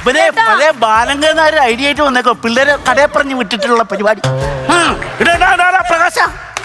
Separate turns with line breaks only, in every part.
പഴയ ബാലങ്കനാര് ഐഡിയ ആയിട്ട് വന്നേക്കോ. പിള്ളേരെ കടയെ പറഞ്ഞ് വിട്ടിട്ടുള്ള പരിപാടി. പ്രകാശ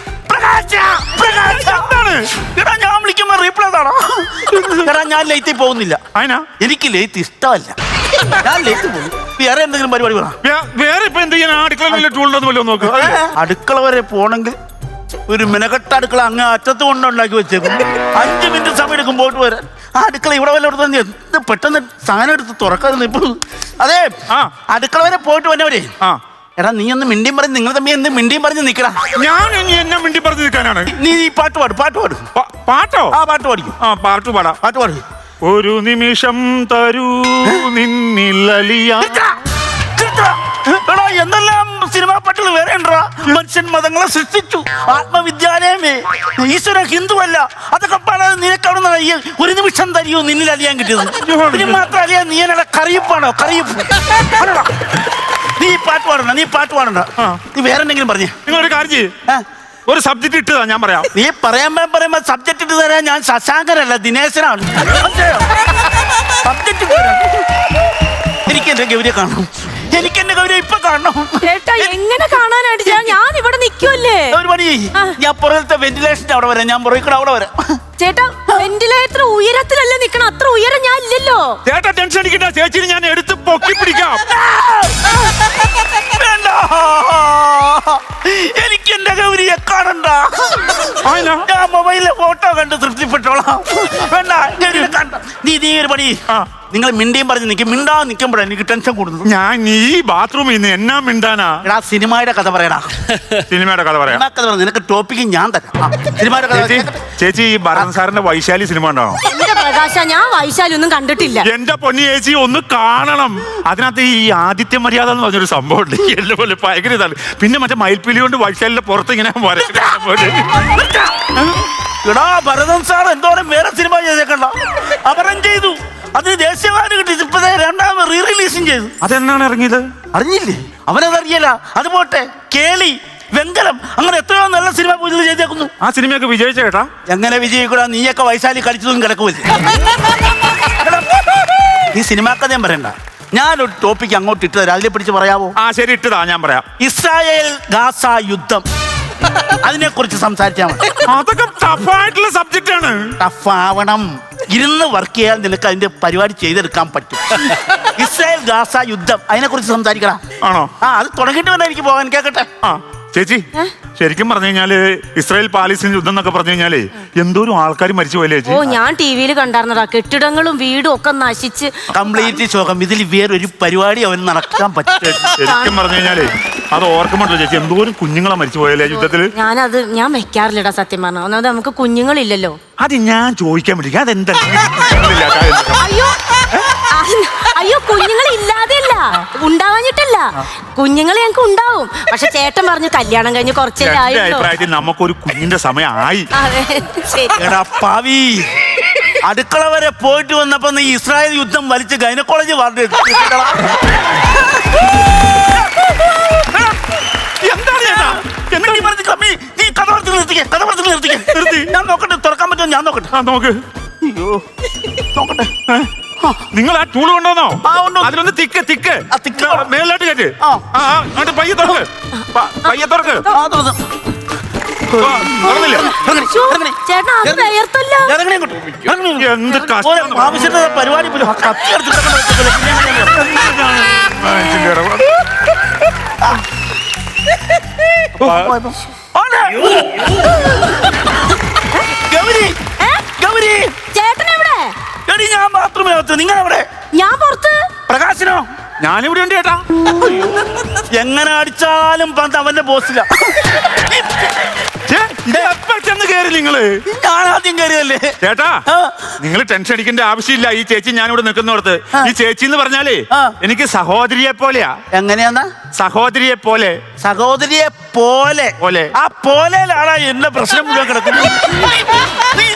എടാ, ഞാൻ വിളിക്കുമ്പോ റീപ്ലേ താണോ? എടാ, ഞാൻ ലേറ്റിൽ പോകുന്നില്ല. എനിക്ക് ലേറ്റ് ഇഷ്ടമല്ല. ഞാൻ ലേറ്റ് പോകും. വേറെ എന്തെങ്കിലും പരിപാടി വേണം.
വേറെ ഇപ്പൊ എന്തെങ്കിലും
അടുക്കള വരെ പോണെങ്കിൽ ഒരു മിനക്കെട്ട അടുക്കള അങ്ങ് അറ്റത്ത് കൊണ്ടുണ്ടാക്കി വെച്ചേക്കും. 5 മിനിറ്റ് സമയം എടുക്കും പോയിട്ട് വരാൻ. ആ അടുക്കള ഇവിടെ വല്ല എടുത്ത് എന്ത് പെട്ടെന്ന് സാധനം എടുത്ത് തുറക്കാറുണ്ട് ഇപ്പൊ. അതെ, അടുക്കള വരെ പോയിട്ട് വന്നവരെ. എടാ, നീ ഒന്ന് മിണ്ടിയും പറഞ്ഞ് നിങ്ങൾ തമ്മിൽ എന്ത് മിണ്ടിയും പറഞ്ഞ് നിക്കടാ.
ഞാൻ എന്നെ മിണ്ടി പറഞ്ഞു നിൽക്കാനാണ്.
നീ പാട്ട് പാടും.
പാട്ടോ?
ആ, പാട്ട് പാടിക്കും.
പാട്ട് പാടും. ഒരു നിമിഷം തരൂ നിന്നിലലിയ.
എടാ, എന്തെല്ലാം സിനിമാ പാട്ടുകൾ വേറെ ഉണ്ടോ? മനുഷ്യൻ മതങ്ങളെ സൃഷ്ടിച്ചു, ആത്മവിദ്യാലയമേ, ഈശ്വരൻ ഹിന്ദുവല്ല, അതൊക്കെ പാടാതെ നിനക്കവിടുന്ന ഒരു നിമിഷം തരിയോ നിന്നിൽ അലിയാൻ കിട്ടിയത്. ഇതിന് മാത്രം അലിയാൻ നീ എന്നോട് കറിയിപ്പാണോ? കറിയിപ്പ്. നീ പാട്ട് പാടണ്ട. നീ വേറെ എന്തെങ്കിലും പറഞ്ഞേ.
നിങ്ങളൊരു കാര്യം ചെയ്യ്, ഒരു സബ്ജക്ട് ഇട്ടതാ ഞാൻ പറയാം.
നീ പറയുമ്പോ സബ്ജക്ട് ഇട്ട് തരാൻ ഞാൻ ശശാങ്കരല്ല, ദിനേശനാണ്. സബ്ജക്ട് എനിക്ക് എന്റെ ഗൗരിയെ കാണണം. ഇപ്പൊ കാണണം.
എങ്ങനെ കാണാനായിട്ട്? ഞാൻ ഇവിടെ നിൽക്കുമല്ലേ.
ഒരു പണി, ഞാൻ പുറത്തെ വെന്റിലേഷന്റെ അവിടെ വരാം. ഞാൻ പുറകെ അവിടെ വരാം.
ചേട്ടാ, വെന്റിലേറ്റർ ഉയരത്തിലല്ലേ നിക്കണം, അത്ര ഉയരം ഞാൻ ഇല്ലല്ലോ.
ചേട്ടാ ടെൻഷൻ അടിക്കണ്ട, ചേച്ചിനെ ഞാൻ എടുത്ത് പൊക്കി പിടിക്കാം.
വേണ്ട, എനിക്ക് എന്റെ ഗൗരിയെ കാണണ്ട. ഞാൻ മൊബൈലിലെ ഫോട്ടോ കണ്ട് തൃപ്തിപ്പെട്ടോളാം. വേണ്ട, നീ ഒരു പണി, നിങ്ങൾ മിണ്ടിയും പറഞ്ഞ് നിൽക്കും. മിണ്ടാ നിൽക്കുമ്പോഴാണ് എനിക്ക് ടെൻഷൻ കൂടുന്നത്.
ഞാൻ ഈ ബാത്റൂമിൽ നിന്ന് എന്നാ മിണ്ടാനാ?
എടാ, സിനിമയുടെ കഥ പറയടാ.
സിനിമയുടെ കഥ പറയാം.
നിനക്ക് ടോപ്പിക്ക് ഞാൻ തരാം. സിനിമയുടെ കഥ.
ചേച്ചി, ഈ ഭരതൻ സാറിന്റെ വൈശാലി സിനിമ ഉണ്ടാണോ?
എന്റെ പ്രകാശ, ഞാൻ വൈശാലി ഒന്നും കണ്ടിട്ടില്ല.
എന്റെ പൊന്നി ചേച്ചി, ഒന്ന് കാണണം. അതിനകത്ത് ഈ ആദിത്യ മര്യാദ എന്ന് പറഞ്ഞൊരു സംഭവം ഉണ്ട്. എന്നെ പോലെ ഭയങ്കര ഇതാണ്. പിന്നെ മറ്റേ മയിൽപ്പീലി കൊണ്ട് വൈശാലിന്റെ പുറത്ത് ഇങ്ങനെ
എടാ, ഭരതൻ സാർ എന്തോരം വേറെ സിനിമ ചെയ്തേക്കണ്ട. അപരം ചെയ്തു, അതിന് ദേശീയവാദം കിട്ടി. ഇപ്പൊ 2ാമത് റീ റിലീസും ചെയ്തു.
അതെന്നാണ് ഇറങ്ങിയത്?
അറിഞ്ഞില്ലേ? അവനതറിയല. അത് പോട്ടെ, കേളി, വെങ്കലം, അങ്ങനെ എത്രയോ നല്ല സിനിമ പുതിയത് ചെയ്തേക്കുന്നു.
ആ സിനിമയൊക്കെ വിജയിച്ച കേട്ടാ.
എങ്ങനെ വിജയിക്കൂടാ? നീയൊക്കെ വൈശാലി കളിച്ചതും കിടക്കുമല്ലേ. ഈ സിനിമാ കഥയും പറയണ്ട. ഞാനൊരു ടോപ്പിക്ക് അങ്ങോട്ട് ഇട്ടു തരാം, അതിനെ പിടിച്ച് പറയാവോ?
ശരി, ഇട്ടതാ, ഞാൻ പറയാം.
ഇസ്രായേൽ ഗാസ യുദ്ധം, അതിനെ കുറിച്ച് സംസാരിച്ചാൽ മതി.
അതൊക്കെ ടഫായിട്ടുള്ള സബ്ജക്റ്റ് ആണ്.
ടഫ് ആവണം. ഇരുന്ന് വർക്ക് ചെയ്യാൻ നിനക്ക് അതിന്റെ പരിപാടി ചെയ്തെടുക്കാൻ പറ്റും. ഇസ്രായേൽ ഗാസ യുദ്ധം, അതിനെ കുറിച്ച് സംസാരിക്കണം.
ആണോ?
അത് തുടങ്ങിയിട്ട് വേണം എനിക്ക് പോകാൻ. കേക്കട്ടെ.
ചേച്ചി, ശരിക്കും പറഞ്ഞു കഴിഞ്ഞാല് ഇസ്രായേൽ പാലസ്തീൻ യുദ്ധം എന്നൊക്കെ പറഞ്ഞു കഴിഞ്ഞാല് എന്തോരം ആൾക്കാർ മരിച്ചു പോയല്ലേ ചേച്ചി?
ഓ, ഞാൻ ടിവിയിൽ കണ്ടായിരുന്നടാ. കെട്ടിടങ്ങളും വീടും ഒക്കെ നശിച്ച്
കംപ്ലീറ്റ് ശോകം. ഇതിൽ വേറൊരു പരിപാടി അവന് നടക്കാൻ പറ്റും.
ശരിക്കും പറഞ്ഞു കഴിഞ്ഞാല് അത് ഓർക്കുമ്പോ ചേച്ചി, എന്തോരം കുഞ്ഞുങ്ങളെ മരിച്ചു പോയല്ലേ യുദ്ധത്തില്?
ഞാൻ വെക്കാറില്ലടാ സത്യം പറഞ്ഞ. ഒന്നാമത് നമുക്ക് കുഞ്ഞുങ്ങളില്ലല്ലോ.
അത് ഞാൻ ചോദിക്കാൻ പറ്റില്ല. അതെന്താ?
അയ്യോ, കുഞ്ഞുങ്ങൾ ഇല്ലാതെയല്ല, ഉണ്ടാവാഞ്ഞിട്ടല്ല. കുഞ്ഞുങ്ങൾ ഞങ്ങൾക്ക് ഉണ്ടാവും. പക്ഷെ ചേട്ടൻ പറഞ്ഞു കല്യാണം കഴിഞ്ഞ് കുറച്ചല്ലേ ആയുള്ളൂ.
അഭിപ്രായത്തിൽ നമുക്കൊരു കുഞ്ഞിന്റെ സമയമായി.
എടാ പാവി, അടുക്കള വരെ പോയിട്ട് വന്നപ്പോ നീ ഇസ്രായേൽ യുദ്ധം വലിച്ച് ഗൈനക്കോളജി വാർഡ്. ഞാൻ നോക്കട്ടെ, തുറക്കാൻ പറ്റുമോ? ഞാൻ നോക്കട്ടെ.
നോക്ക്.
അയ്യോ, നോക്കട്ടെ.
നിങ്ങൾ ആ ടൂൾ കൊണ്ടുവന്നോ? അതിലൊന്ന് തിക്ക് മേലോട്ട് കയറ്റ്. പയ്യെ തുറക്ക്. എന്ത്
ആവശ്യത്തിന് പരിപാടി ഗൗരി,
ചേട്ടനെവിടെ?
ഞാൻ ബാത്റൂമിനകത്ത്. നിങ്ങളെവിടെ?
ഞാൻ പുറത്ത്.
പ്രകാശനോ?
ഞാനിവിടെ ഉണ്ട് ചേട്ടാ.
എങ്ങനെ അടിച്ചാലും പന്ത് അവന്റെ ബോസില.
ചെന്ന് കയറി നിങ്ങള്.
ഞാൻ ആദ്യം കയറിയല്ലേ
ചേട്ടാ. നിങ്ങൾ ടെൻഷൻ അടിക്കേണ്ട ആവശ്യമില്ല. ഈ ചേച്ചി ഞാനിവിടെ നിൽക്കുന്നിടത്ത്, ഈ ചേച്ചി എന്ന് പറഞ്ഞാലേ എനിക്ക് സഹോദരിയെ പോലെയാ.
എങ്ങനെയാന്നാ?
സഹോദരിയെ പോലെ.
സഹോദരിയെ പോലെ. ആ പോലെയിലാണ് എന്റെ പ്രശ്നം മുഴുവൻ കിടക്കുന്നത്. നീ